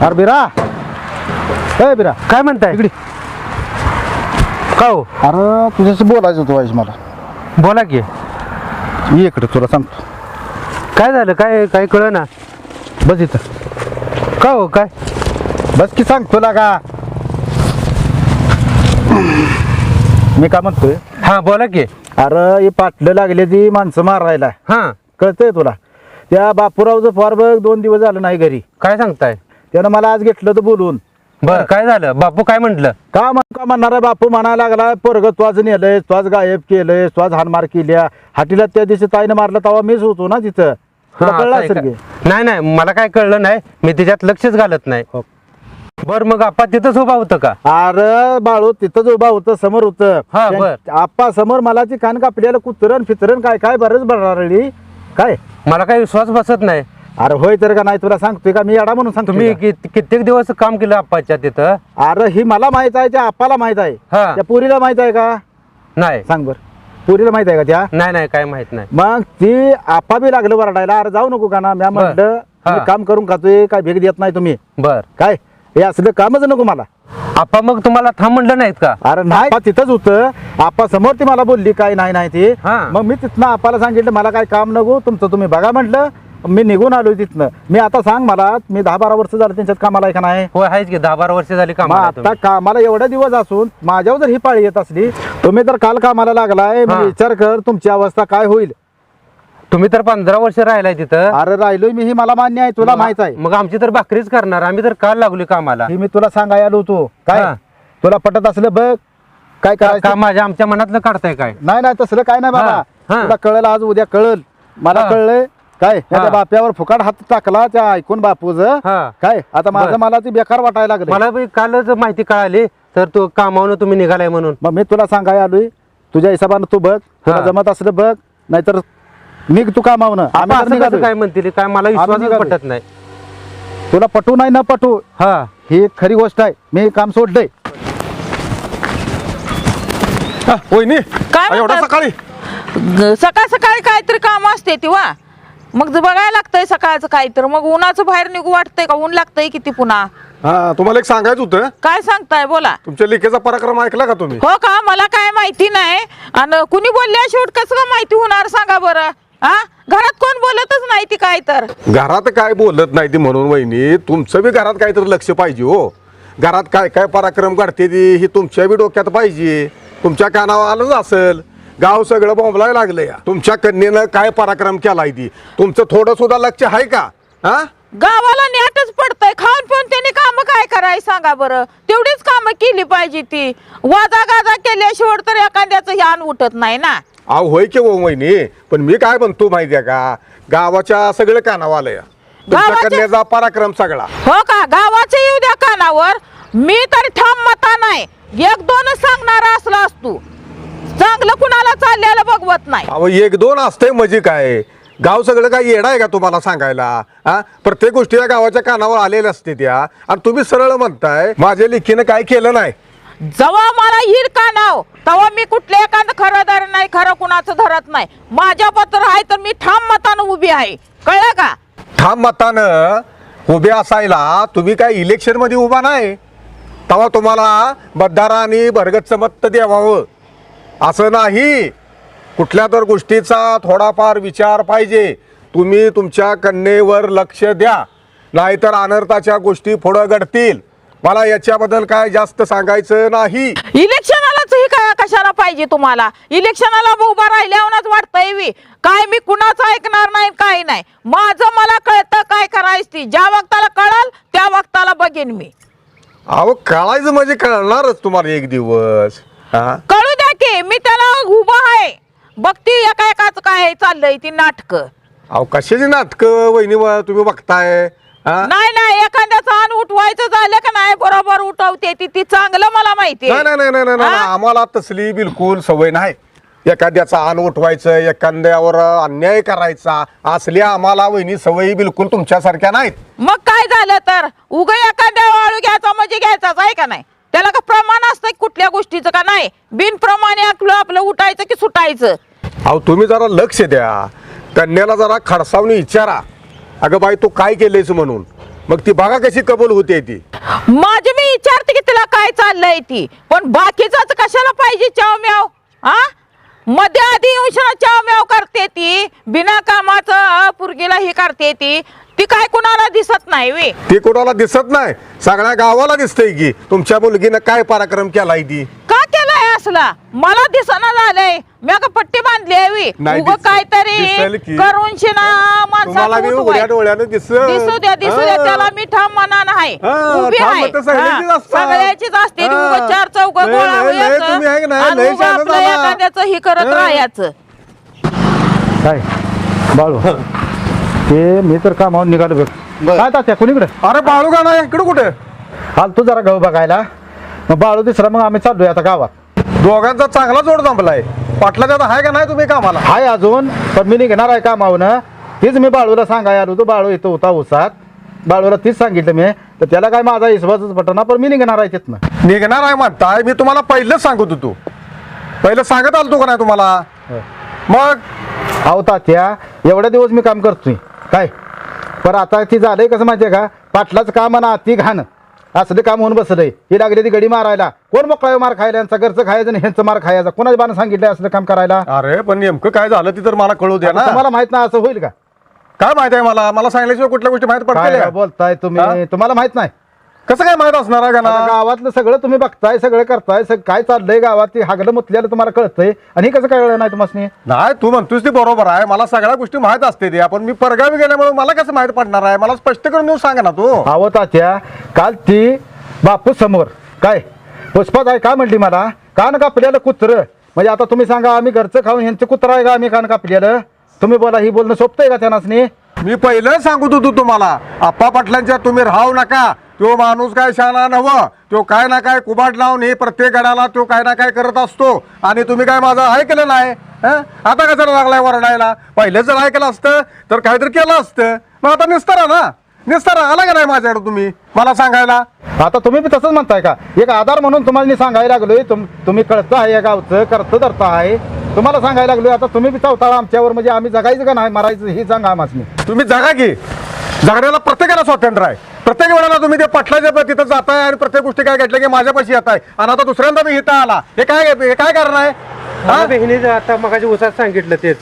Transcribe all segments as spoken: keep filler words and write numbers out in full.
अरे बिरा ए बिरा काय म्हणताय इकडे का हो अरे तुझ्याशी बोलायचं होतं वाईस मला बोला की ये इकडे तुला सांगतो काय झालं काय काय कळ ना बस इथं का हो काय बस की सांग तुला का मी काय म्हणतोय हा बोला की अरे हे पाटलं लागले ती माणसं मारायला हा कळतंय तुला त्या बापूरावचं फार बघ दोन दिवस झालं नाही घरी काय सांगताय त्यानं मला आज घेतलं तर बोलून बर काय झालं बापू काय म्हंटल का म्हण का म्हणणार आहे बापू म्हणायला लागला पोरग त्वाज नेलंय त्वाज गायब केलंय त्वाज हानमार केल्या हाटीला त्या दिवशी ताईनं मारलं तेव्हा मीच होतो ना तिथं तुला कळलं असेल की? नाही नाही मला काय कळलं नाही मी त्याच्यात लक्षच घालत नाही हो. बर मग आपा तिथंच उभा होतं का अरे बाळू तिथंच उभा होतं समोर होतं हा, त्यां- बर. आप्पा समोर मला ती कान कापल्याला कुत्रण फितरण काय काय बरंच बरळली काय मला काही विश्वास बसत नाही अरे होय तर का नाही तुला सांगतोय का मी येडा म्हणून सांगतो तुम्ही कि- कित्येक दिवस काम केलं आप्पाच्या तिथं अरे ही मला माहित आहे त्या आप्पाला माहित आहे हा. त्या पुरीला माहित आहे का नाही सांग बर पुरीला माहित आहे का त्या नाही नाही काय माहित नाही मग ती आपा बी लागलं बरडायला अरे जाऊ नको का ना म्या म्हटलं हा. मी काम करून खातोय काय भेट देत नाही तुम्ही बर काय हे असलं कामच नको मला आप्पा मग तुम्हाला थांब म्हणलं नाहीत का अरे नाही आपा तिथंच होतं आपा समोर ती मला बोलली काय नाही नाही ती हा. मग मी तिथनं आपाला सांगितलं मला काय काम नको तुमचं तुम्ही बघा म्हटलं मी निघून आलोय तिथनं मी आता सांग मला मी दहा बारा वर्ष झालं त्यांच्यात कामाला आहे का नाही होय आहेच की दहा बारा वर्ष झाली मग काम आता कामाला एवढे दिवस असून माझ्यावर जर ही पाळी येत असली तुम्ही तर काल कामाला लागलाय हा. मी विचार कर तुमची अवस्था काय होईल तुम्ही तर पंधरा वर्ष राहिलाय तिथं अरे राहिलोय मी ही मला मान्य आहे तुला माहित आहे मग आमची तर भाकरीच करणार आम्ही तर काल लागली कामाला ही मी तुला सांगायला आलो होतो काय हा. तुला पटत असलं बघ काय का करायचं माझ्या आमच्या मनातलं काढताय काय नाही नाही तसलं काय नाही बाबा हा, हा. तुला कळलं आज उद्या कळल मला हा. कळलंय काय हा. त्या बाप्यावर फुकाट हात टाकला त्या ऐकून बापूच हा. काय आता माझं बर. मला ती बेकार वाटायला लागलं मला बी कालच माहिती कळाली तर तू कामावून तुम्ही निघालाय म्हणून मग मी तुला सांगायला आलोय तुझ्या हिशोबानं तू बघ तुला हा. जमत असलं बघ नाहीतर निघ तू कामावनं आम्ही आम्ही तर असं कसं निघालोय. काय म्हणतील काय मला आम्ही विश्वासच निघालोय. पटत नाही तुला पटू नाही ना पटू हा ही एक खरी गोष्ट आहे मी काम सोडलंय वहिनी काय एवढा म्हणतात? सकाळी ग- सकाळ सकाळी काहीतरी काम असते ती वा मग जर बघायला लागतंय सकाळचं काहीतरी मग उन्हाचं बाहेर निघू वाटतंय का ऊन लागतंय किती पुन्हा हा तुम्हाला एक सांगायचं होतं काय सांगताय बोला तुमच्या लेखेचा पराक्रम ऐकला का तुम्ही हो का मला काय माहिती नाही आणि कुणी बोलल्या शेवट कसं का माहिती होणार सांगा बरं हा घरात कोण बोलतच नाही ती काय तर घरात काय बोलत नाही ती म्हणून वहिनी तुमचं बी घरात काहीतरी लक्ष पाहिजे हो घरात काय काय पराक्रम घडते ती ही तुमच्या बी डोक्यात पाहिजे तुमच्या कानावर आलंच असेल गाव सगळं बोंबलाय लागलं या तुमच्या कन्येनं काय पराक्रम केलाय ती तुमचं थोडं सुद्धा लक्ष आहे का हा गावाला नेटच पडतंय खाऊन पिऊन त्यांनी काम काय कराय सांगा बरं तेवढीच कामं केली पाहिजे ती वाजा गाजा केल्याशिवाय तर एखाद्याचं ह्यान उठत नाही ना अहो होय की हो वहिनी पण मी काय म्हणतो माहितीये का गावाच्या सगळं कानावर आलं या तुमच्या गावाच्या- कन्याचा पराक्रम सगळा हो का गावाचे येऊ द्या कानावर मी तर ठाम मता नाही एक दोनच सांगणारा असला असतो चांगलं कुणाला चाललेलं बघवत नाही अहो एक दोन असतंय म्हणजे काय गाव सगळं काय येडा आहे का तुम्हाला सांगायला हा प्रत्येक गोष्टी या गावाच्या कानावर आलेल्या असते त्या आणि तुम्ही सरळ म्हणताय माझ्या लेखीनं काय केलं नाही जेव्हा मला येईल का नाव तेव्हा मी कुठल्या एखादं खरं धर नाही खरं कुणाचं धरत नाही माझ्या पत्र आहे तर मी ठाम मतानं उभी आहे कळलं का ठाम मतानं उभे असायला तुम्ही काय इलेक्शन मध्ये उभा नाही तेव्हा तुम्हाला मतदारांनी भरगतचं मत द्यावावं असं नाही कुठल्या तर गोष्टीचा थोडाफार विचार पाहिजे तुम्ही तुमच्या कन्येवर लक्ष द्या नाहीतर अनर्थाच्या गोष्टी पुढं घडतील मला याच्याबद्दल काय जास्त सांगायचं नाही इलेक्शनालाच ही काय कशाला पाहिजे तुम्हाला इलेक्शनाला उभा राहिल्यावरच वाटतंय वी काय मी कुणाचं ऐकणार नाही काय नाही माझं मला कळतं काय करायचं ती ज्या वक्ताला कळल त्या वक्ताला बघेन मी अहो कळायचं म्हणजे कळणारच तुम्हाला एक दिवस हा कळू द्या की मी त्याला उभा आहे बघती एका एकाच काय चाललंय ती नाटक अहो कशाची नाटकं वहिनी तुम्ही बघताय हा नाही नाही एखाद्याचं अन उठवायचं झालं का नाही बरोबर उठवते ती ती चांगलं मला माहिती नाही नाही नाही नाही नाही आम्हाला तसली बिलकुल सवय नाही एखाद्याचा आन उठवायचं एखाद्यावर अन्याय करायचा असल्या आम्हाला वहिनी सवयी बिलकुल तुमच्यासारख्या नाहीत मग काय झालं तर उग एखाद्या वाळू घ्यायचा म्हणजे घ्यायचाच आहे का नाही त्याला का प्रमाण असतं कुठल्या गोष्टीचं का नाही बिनप्रमाणे आपलं आपलं उठायचं की सुटायचं अहो तुम्ही जरा लक्ष द्या कन्याला जरा खडसावून विचारा अगं बाई तू काय केलेस म्हणून मग ती बघा कशी कबूल होते ती. माझी मी विचारते की तिला काय चाललंय ती, पण बाकीचाच कशाला पाहिजे चाव म्याव? हा मध्ये आधी येऊन चाव म्याव करते ती, बिना कामाचं पुरगीला ही करते ती. ती काय कुणाला दिसत नाही वे. ती कोणाला दिसत नाही, सगळ्या गावाला दिसतंय की तुमच्या मुलगीनं काय पराक्रम केलाय ती. का केलाय असला? मला दिसना झालंय. मी का पट्टी बांधली आहे नाही उग दिसेल- काहीतरी दिसेल की. करून शिना तुम्हाला मी माणसाला उघड्या डोळ्यानं दिसत. दिसू द्या दिसू द्या, हा. त्याला मी ठाम म्हणा नाही. हा, उभी ठाम आहे. मतं सगळ्यांचीच हा, असतात. सगळ्याचीच असते. हा. उगाच चार चौक लय- गोळा लय- लय व्हायचं तुम्ही आहे की नाही, आणि लय उगा शहाणं आपलं झाला. एखाद्याचं ही करत हा. राहायचं. काय बाळू ते मी तर कामावर निघालो बघ. काय तात्या कुणीकडे अरे बाळू का नाही इकडे कुठे? हाल तू जरा गहू बघायला, मग बाळू तिसरा, मग आम्ही चाललोय आता गावात. दोघांचा चांगला जोड जमलाय. पाटलाच्या आता आहे का नाही तुम्ही कामाला? हाय अजून, पण मी निघणार आहे कामावनं. तीच मी बाळूला सांगाय आलो होतो, बाळू इथं होता उसात. बाळूला तीच सांगितलं मी, तर त्याला काय माझा विश्वासच पटना, पण मी निघणार आहे तिथनं. निघणार आहे म्हणताय, मी तुम्हाला पहिलंच सांगत होतो. पहिलं सांगत आलतो का नाही तुम्हाला? मग अहो तात्या, एवढ्या दिवस मी काम करतोय काय, पण आता ती झालंय कसं माहितीये का, पाटलाचं काम आणि ती घाण असले काम होऊन बसलंय. ही लागली ती गडी मारायला. कोण मोकळा मार खायला? यांचा घरचं खायचं आणि ह्यांचं मार खायचा. कोणाच्या बाण सांगितलंय असलं काम करायला? अरे पण नेमकं काय झालं ती तर मला कळू द्या ना. तुम्हाला माहित नाही असं होईल का? काय माहित आहे मला? मला सांगितल्याशिवाय कुठल्या गोष्टी माहित काय पडतील? बोलताय तुम्ही? हा? तुम्हाला माहित नाही? कसं काय माहित असणार आहे का आता ना? गावातलं सगळं तुम्ही बघताय, सगळं करताय, सग- काय चाललंय गावात, ते हागलं मुतल्याला तुम्हाला कळतंय, आणि हे कसं कळलं नाही तुम्हाला? नाही, तू म्हणतोस ती बरोबर आहे. मला सगळ्या गोष्टी माहित असते ते. आपण मी परगावी गेल्यामुळे मला कसं माहित पडणार आहे? मला स्पष्ट करून देऊ सांगा ना तू. अहो तात्या, काल ती बापू समोर काय पुष्पात आहे का म्हणली मला, कान कापलेलं कुत्र. म्हणजे आता तुम्ही सांगा, आम्ही घरचं खाऊन ह्यांचं कुत्र आहे का आम्ही कान कापलेलं? तुम्ही बोला, ही बोलणं सोपतंय का त्यांनासनी? मी पहिलं सांगत होतो तुम्हाला, आप्पा पाटलांच्या तुम्ही राहू नका. तो माणूस काय शाना नव्ह, तो काय ना काय कुबाड लावून हे प्रत्येक गडाला तो काय ना काय करत असतो, आणि तुम्ही काय माझं ऐकलं नाही. हं? आता कशाला लागलाय वरडायला? पहिलं जर ऐकलं असतं तर काहीतरी केलं असतं. मग आता निस्तारा ना, निस्तारा आला का नाही माझ्याकडे तुम्ही मला सांगायला? आता तुम्ही बी तसंच म्हणताय का? एक आधार म्हणून तुम्हाला मी सांगायला लागलोय, तुम तुम्ही कळतं आहे या गावचं, करतं धरता आहे, तुम्हाला सांगायला लागलोय. आता तुम्ही बी चौथाळा आमच्यावर, म्हणजे आम्ही जगायचं का नाही मरायचं हे सांगा आम्हाला. तुम्ही जगा की, जगण्याला प्रत्येकाला स्वातंत्र्य आहे. प्रत्येक वेळेला तुम्ही ते पटलाच्या तिथं जाताय आणि प्रत्येक गोष्टी काय घेतल्या की माझ्यापाशी येत आहे, आणि आता दुसऱ्यांदा मी इथं आला. हे काय हे काय कारण आहे? मला बहिणीचं आता मगाच्या उसात सांगितलं तेच,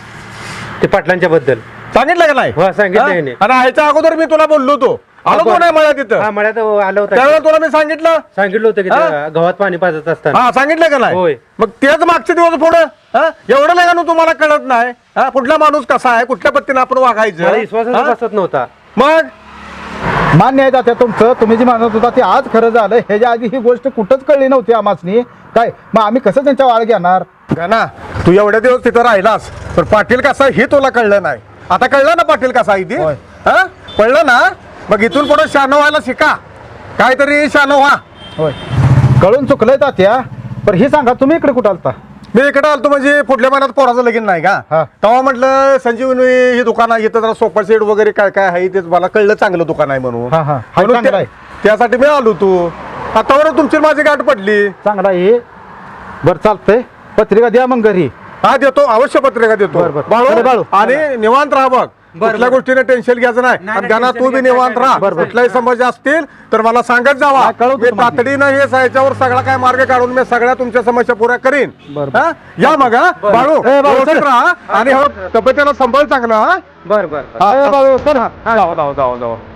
ते पाटलांच्या बद्दल सांगितलं का नाही? हो, सांगितलं हा? ह्याने. आणि ह्याच्या अगोदर मी तुला बोललो होतो, आलो बरं. कोण आहे मला तिथं? हा मळ्यात आलं होतं, त्यावेळेला तुला मी सांगितलं. सांगितलं होतं की हा? त्या गव्हात पाणी पाजत असताना. हा, सांगितलं का नाही? होय. मग तेच मागचे दिवस पुढं हा? एवढं नाही का तुम्हाला कळत नाही? हा, कुठला माणूस कसा आहे, कुठल्या पद्धतीने आपण मला वागायचं? विश्वासच हा? बसत नव्हता. मग मान्य आहे तात्या तुमचं, तुम्ही जी म्हणत होता ते आज खरं झालं. ह्याच्या आधी ही गोष्ट कुठंच कळली नव्हती आम्हासनी काय, मग आम्ही कसं त्यांच्या वाळ घेणार? ना, तू एवढ्या दिवस तिथं राहिलास, पण पाटील कसा हे तुला कळलं नाही. आता कळलं ना पाटील कसा आहे ती? होय. हा, कळलं ना? मग इथून पुढे शहाणं व्हायला शिका, काहीतरी शहाणं व्हा. होय, कळून चुकलंय तात्या. पण हे सांगा, तुम्ही इकडे कुठं आलता? मी इकडे आलतो म्हणजे पुढल्या महिन्यात पोराचं लगीन नाही हा. का, तेव्हा म्हटलं संजीवनी ही दुकान आहे, इथं जरा सोफा सेट वगैरे काय काय आहे तेच मला कळलं, चांगलं दुकान आहे म्हणून. हा, हा. म्हणून चांगलं त्या- आहे. त्यासाठी मी आलो. तू आतावर तुमची माझी गाठ पडली. चांगला आहे. बरं चालतंय, पत्रिका द्या मग घरी. हा, देतो, अवश्य पत्रिका देतो. बरं, बरं. चला, बाळू, बाळू. आणि निवांत राहा बघ, कुठल्या गोष्टीने टेन्शन घ्यायचं नाही. नाही, आणि गाणं tension तू बी घ्यायचं निवांत नाही. राहा. बरं, बरं. कुठल्याही समस्या असतील तर मला सांगत जावा. नाही, कळवतो मी तुम्हाला. तातडीनं हे याच्यावर सगळा काय मार्ग काढून मी सगळ्या तुमच्या समस्या पुऱ्या करीन. बरं, हा? या मग हा बाळू, ए, बाळू, व्यवस्थित चल. राहा आणि हो, तब्येतीला सांभाळ चांगला. हा बरं बरं हा, ए, बाबा, चल. जाऊ जाऊ जाऊ जाऊ